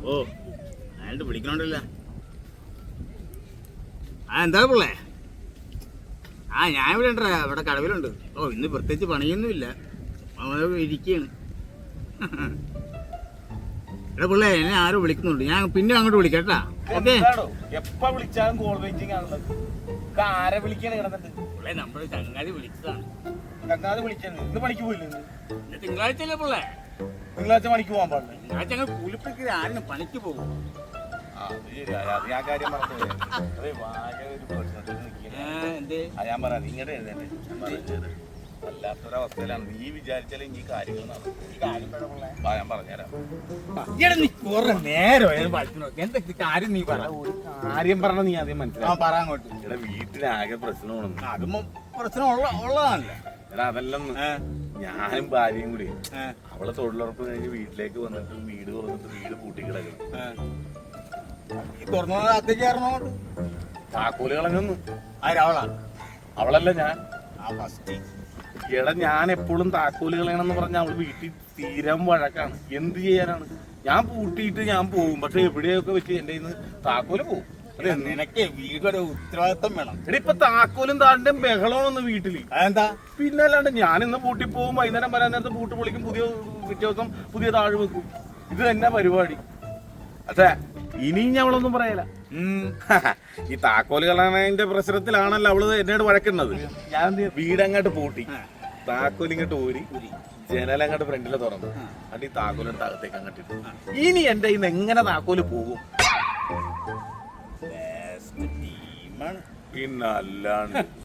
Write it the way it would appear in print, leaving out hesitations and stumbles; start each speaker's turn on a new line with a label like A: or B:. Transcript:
A: ഓ അയാളുടെ വിളിക്കണോണ്ടല്ല. എന്താ പിള്ളേ? ഞാൻ ഇവിടെ ഉണ്ടാ, ഇവിടെ കടവിലുണ്ട്. ഓ ഇന്ന് പ്രത്യേകിച്ച് പണിയൊന്നുമില്ല, ഇരിക്കുകയാണ്. എടാ പിള്ളേ, എന്നെ ആരോ വിളിക്കുന്നുണ്ട്, ഞാൻ പിന്നെ അങ്ങോട്ട് വിളിക്കാം കേട്ടാ. ഓക്കെ.
B: എപ്പ വിളിച്ചാലും കോൾ വെയിറ്റിംഗ് ആണുള്ളത്. ആരെ വിളിക്കാണ് കിടന്നിട്ട്?
A: പിള്ളേ നമ്മുടെ ചങ്ങാതി വിളിച്ചതാണ്.
B: ചങ്ങാതി വിളിച്ചത് ഇന്ന് പണിക്ക് പോയില്ലേ?
A: ഇന്ന് തിങ്കളാഴ്ചയല്ലേ പിള്ളേ?
B: തിങ്കളാഴ്ച പണിക്ക് പോകാൻ പാടില്ല.
A: തിങ്കളാഴ്ച ഞങ്ങൾ കൂലിപ്പണിക്ക് ആരും പണിക്ക് പോകും.
B: ഞാൻ കാര്യം പറഞ്ഞു. ഞാൻ പറയാം, ഇങ്ങോട്ട് എഴുതേണ്ടേ വല്ലാത്തൊരവസ്ഥയിലാണ്. നീ വിചാരിച്ചാലേ ഈ കാര്യങ്ങൾ ഞാൻ പറഞ്ഞുതരാം.
A: എന്തൊക്കെ കാര്യം നീ പറ.
B: കാര്യം പറഞ്ഞ നീ ആദ്യം മനസ്സിലാവും.
A: പറയാങ്ങോട്ട്.
B: ഇവിടെ വീട്ടിലാകെ പ്രശ്നമാണ്.
A: അതും പ്രശ്നം ഉള്ളതാണല്ലേ.
B: എടാ അതല്ലെന്ന്, ഞാനും ഭാര്യയും കൂടി അവളെ തൊഴിലുറപ്പ് കഴിഞ്ഞ് വീട്ടിലേക്ക് വന്നിട്ട് വീട് തുറന്നിട്ട് വീട് പൂട്ടി കിടക്കണം.
A: തുറന്നത്തേക്ക് കയറണോട്ട്
B: താക്കോല് കളഞ്ഞൊന്നു.
A: അവളാ?
B: അവളല്ല, ഞാൻ. എടാ ഞാൻ എപ്പോഴും താക്കോല് കളയണമെന്ന് പറഞ്ഞ അവള് വീട്ടിൽ തീരാൻ വഴക്കാണ്. എന്ത് ചെയ്യാനാണ്? ഞാൻ പൂട്ടിയിട്ട് ഞാൻ പോകും, പക്ഷെ എവിടെയൊക്കെ വെച്ച് എന്റെ കയ്യിൽ നിന്ന് താക്കോല് പോകും.
A: നിനക്ക് വീടൊരു ഉത്തരവാദിത്വം വേണം.
B: എടാ ഇപ്പൊ താക്കോലും താണ്ടും ബഹളമാണെന്ന് വീട്ടില്.
A: അതെന്താ?
B: പിന്നെ അല്ലാണ്ട് ഞാനിന്ന് പൂട്ടി പോകും, വൈകുന്നേരം വരാൻ നേരത്തെ പൂട്ട് പൊളിക്കും, പിറ്റേ ദിവസം പുതിയ താഴ് വെക്കും. ഇത് തന്നെ പരിപാടി. അതെ, ഇനിയും ഞാൻ അവളൊന്നും പറയല. ഈ താക്കോല് കളയണതിന്റെ പ്രശ്നത്തിലാണല്ലോ അവള് എന്നോട് വഴക്കുന്നത്. ഞാൻ വീടങ്ങോട്ട് പൂട്ടി, താക്കോലിങ്ങോട്ട് ഊരി, ജനലങ്ങോട്ട് ഫ്രണ്ടില് തുറന്നു, അത് ഈ താക്കോലെടുത്ത് അകത്തേക്ക് അങ്ങോട്ട് ഇട്ടു. ഇനി എന്റെ ഇന്ന് എങ്ങനെ താക്കോല് പോകും? പിന്നല്ലാണ്ട്